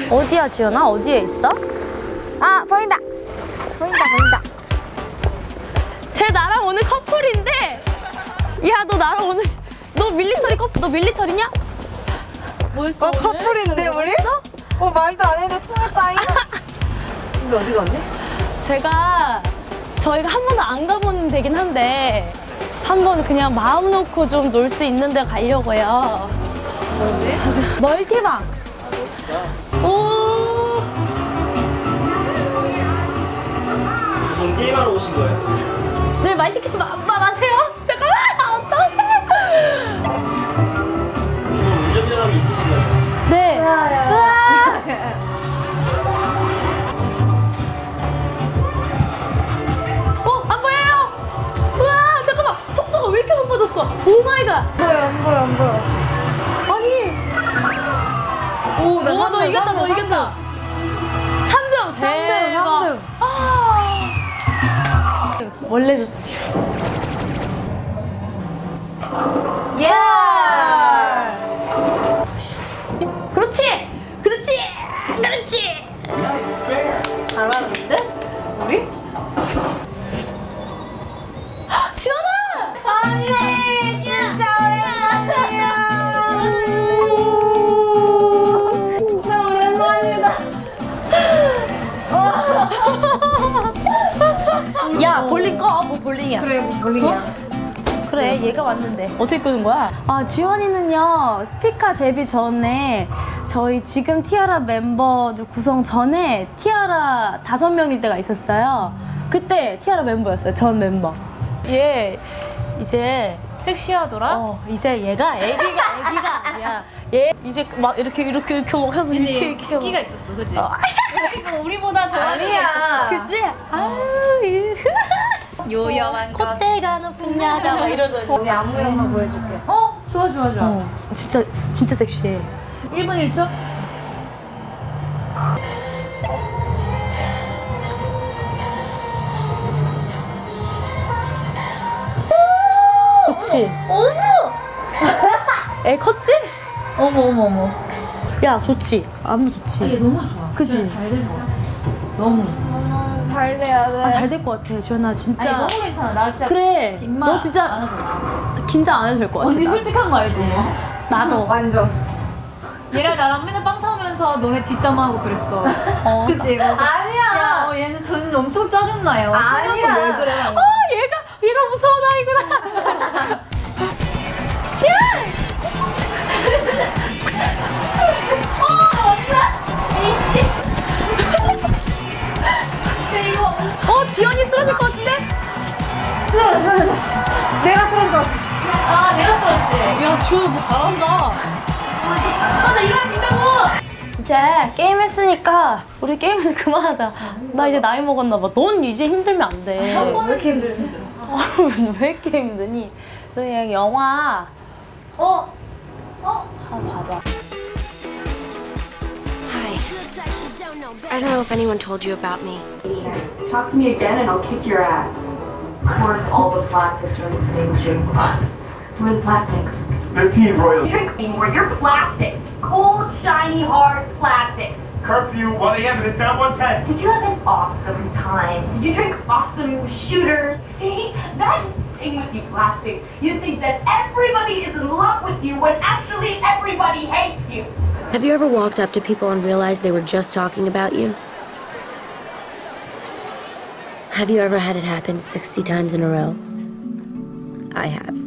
어디야, 지연아? 어디에 있어? 아, 보인다. 보인다. 쟤 나랑 오늘 커플인데. 야, 너 나랑 오늘 너 밀리터리 너 밀리터리냐? 뭐였어? 커플인데 우리? 말도 안 해도 통했다잉. 근데 어디 갔니? 저희가 한 번도 안 가본 데긴 한데 한 번 그냥 마음 놓고 좀 놀 수 있는 데 가려고요. 뭔데? 멀티방. 오. 지금 게임하러 오신 거예요? 네, 말 시키지 마세요. 잠깐만. 어떡해. 운전면허이 있으신 거예요? 네. 안 보여요? 우와, 잠깐만. 속도가 왜 이렇게 높아졌어? 오 마이 갓. 안 보여. 아니. 오, 너 이겼다. 3등. 3등. 원래 예! 그렇지. 잘하는데? 우리? 지연아. 언니, 진짜 오랜만이야. 진짜 오랜만이다. 야, 볼링 꺼. 뭐 볼링이야. 그래, 뭐 볼링이야. 그래, 얘가 왔는데 어떻게 끄는 거야? 지원이는요, 스피카 데뷔 전에 저희 지금 티아라 멤버들 구성 전에 티아라 5명일 때가 있었어요. 그때 티아라 멤버였어요, 전 멤버. 얘 이제 섹시하더라? 이제 얘가 애기가 아니야. 얘 이제 막 이렇게 막 해서 근데 이렇게 끼가 있었어, 그치? 지금 우리보다 더 아니야. 그치? 요염한 것. 콧대가 높은 여자 막 이러더니. 언니 안무 영상 보여줄게. 좋아. 진짜 섹시해. 1분 1초? 그치? 어머! 애 컸지? 어머. 야, 좋지? 안무 좋지? 얘 너무 좋아. 그치? 잘된 거 같아. 너무. 잘 돼야 돼. 잘 될 것 같아, 지연아. 진짜. 아니, 너무 괜찮아. 나 진짜. 그래. 긴말 너 진짜 안 해서. 긴장 안 해도 될 것 같아. 언니 나. 솔직한 거 알지? 나도. 완전. 얘랑 나랑 맨날 빵 사오면서 너네 뒷담화하고 그랬어. 그치? 맞아. 아니야. 얘는 저는 엄청 짜증나요. 아니야. 왜 그래? 얘가 무서운 아이구나. 지연이 쓰러질 것 같은데? 쓰러져. 내가 쓰러질 것 같아. 아, 내가 쓰러졌지? 야, 지연이 뭐 잘한다. 나 일어날 수 있다고! 이제 게임 했으니까 우리 게임은 그만하자. 나 이제 나이 먹었나 봐. 넌 이제 힘들면 안 돼. 한 번은 이렇게 힘들어. 왜 이렇게 힘드니? 그냥 영화 한번 봐봐. Hi. I don't know if anyone told you about me. Talk to me again and I'll kick your ass. Of course, all the plastics are in the same gym class. Where are the plastics? The Team Royal. Drink me where you're plastic. Cold, shiny, hard plastic. Curfew 1 a.m. and it's now 1:10. Did you have an awesome time? Did you drink awesome shooters? See? That's the thing with you plastics. You think that everybody is in love with you when actually everybody hates you. Have you ever walked up to people and realized they were just talking about you? Have you ever had it happen 60 times in a row? I have.